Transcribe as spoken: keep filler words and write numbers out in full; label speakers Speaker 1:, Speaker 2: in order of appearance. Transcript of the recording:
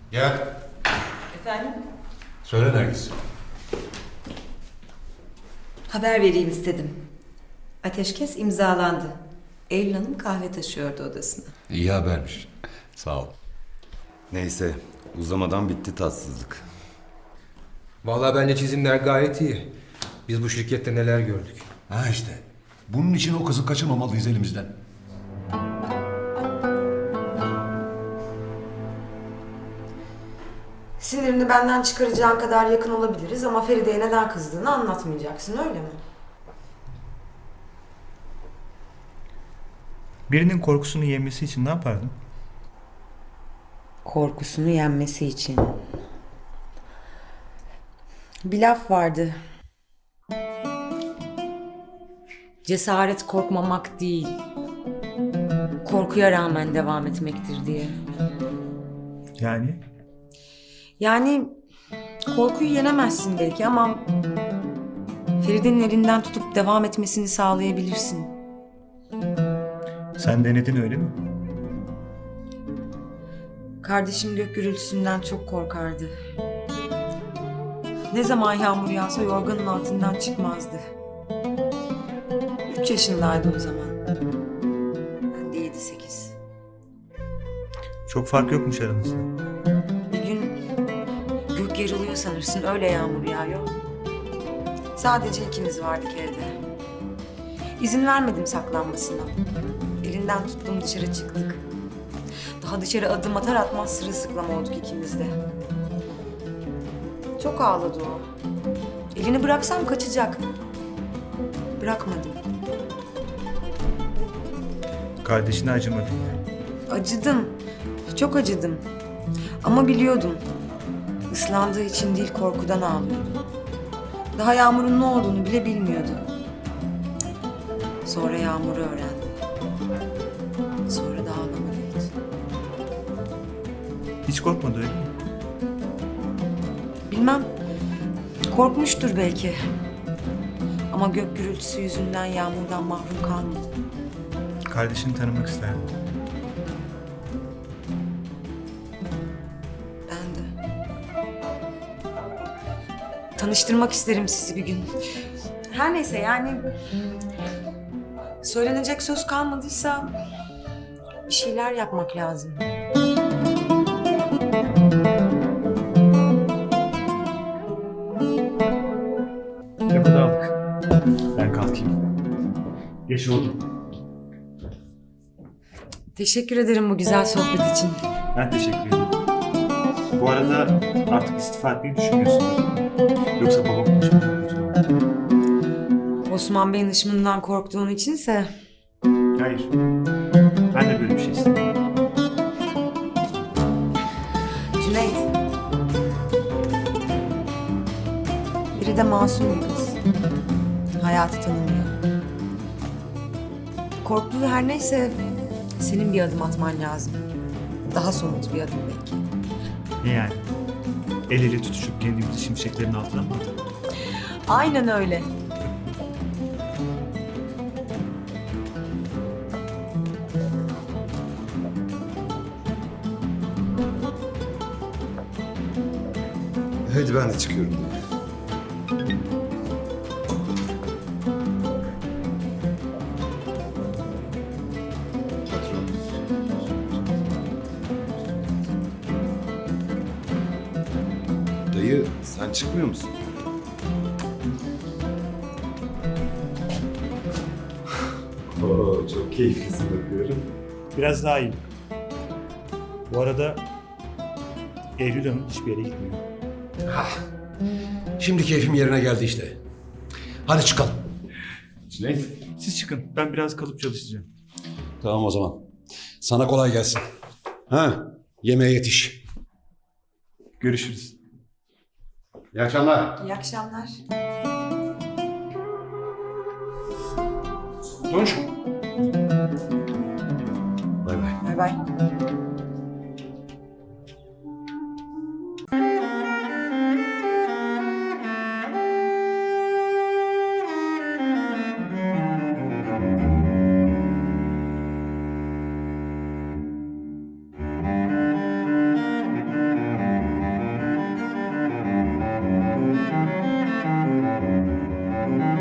Speaker 1: Gel.
Speaker 2: Efendim?
Speaker 1: Söyle Nergis.
Speaker 2: Haber vereyim istedim. Ateşkes imzalandı. Eylül Hanım kahve taşıyordu odasına.
Speaker 1: İyi habermiş. Sağ ol.
Speaker 3: Neyse, uzamadan bitti tatsızlık.
Speaker 4: Vallahi bence çizimler gayet iyi. Biz bu şirkette neler gördük.
Speaker 1: Ha işte. Bunun için o kızı kaçırmamalıyız elimizden.
Speaker 5: Sinirini benden çıkaracağın kadar yakın olabiliriz ama Feride'ye neden kızdığını anlatmayacaksın, öyle mi?
Speaker 6: Birinin korkusunu yenmesi için ne yapardın?
Speaker 5: Korkusunu yenmesi için. Bir laf vardı. Cesaret korkmamak değil, korkuya rağmen devam etmektir diye.
Speaker 6: Yani?
Speaker 5: Yani korkuyu yenemezsin belki ama Feride'nin elinden tutup devam etmesini sağlayabilirsin.
Speaker 6: Sen denedin öyle mi?
Speaker 5: Kardeşim gök gürültüsünden çok korkardı. Ne zaman yağmur yağsa yorganın altından çıkmazdı. Üç yaşındaydı o zaman. Ben de yedi sekiz.
Speaker 6: Çok fark yokmuş aranızda.
Speaker 5: Bir gün gök yarılıyor sanırsın, öyle yağmur yağıyor. Sadece ikimiz vardık evde. İzin vermedim saklanmasına. Elinden tuttum, dışarı çıktık. Daha dışarı adım atar atmaz sırılsıklam olduk ikimiz de. Çok ağladı o. Elini bıraksam kaçacak. Bırakmadım.
Speaker 6: Kardeşine acımadın yani.
Speaker 5: Acıdım. Çok acıdım. Ama biliyordum. Islandığı için değil, korkudan ağlıyordu. Daha Yağmur'un ne olduğunu bile bilmiyordu. Sonra Yağmur'u öğrendi. Sonra da ağlamadı hiç.
Speaker 6: Hiç korkmadı öyle mi?
Speaker 5: Bilmem. Korkmuştur belki. Ama gök gürültüsü yüzünden Yağmur'dan mahrum kalmadı.
Speaker 6: Kardeşini tanımak isterdim.
Speaker 5: Ben de. Tanıştırmak isterim sizi bir gün. Her neyse yani... Söylenecek söz kalmadıysa... Bir şeyler yapmak lazım.
Speaker 6: Lafı da aldık. Ben kalkayım. Geç oldu.
Speaker 5: Teşekkür ederim bu güzel sohbet için.
Speaker 6: Ben teşekkür ederim. Bu arada artık istifa etmeyi düşünmüyorsun değil mi? Yoksa babam konuşmadan kurtulamam.
Speaker 5: Osman Bey'in ışımından korktuğun içinse...
Speaker 6: Hayır. Ben de böyle bir şey istedim.
Speaker 5: Cüneyt. Biri de masum bir kız. Hayatı tanımıyor. Korktuğu her neyse senin bir adım atman lazım. Daha somut bir adım belki.
Speaker 6: Ne yani? El ele tutuşup kendimizi şimşeklerin altına mı atalım?
Speaker 5: Aynen öyle.
Speaker 3: Hadi ben de çıkıyorum. Patron. Dayı, sen çıkmıyor musun? Oo, çok keyiflisin bakıyorum.
Speaker 6: Biraz daha iyi. Bu arada Eylül Hanım hiçbir yere gitmiyor.
Speaker 1: Şimdi keyfim yerine geldi işte. Hadi çıkalım.
Speaker 3: Cüneyt.
Speaker 6: Siz çıkın. Ben biraz kalıp çalışacağım.
Speaker 1: Tamam o zaman. Sana kolay gelsin. Ha, yemeğe yetiş.
Speaker 6: Görüşürüz.
Speaker 3: İyi akşamlar.
Speaker 5: İyi akşamlar.
Speaker 1: Tunç.
Speaker 3: Bay bay.
Speaker 5: Bay bay.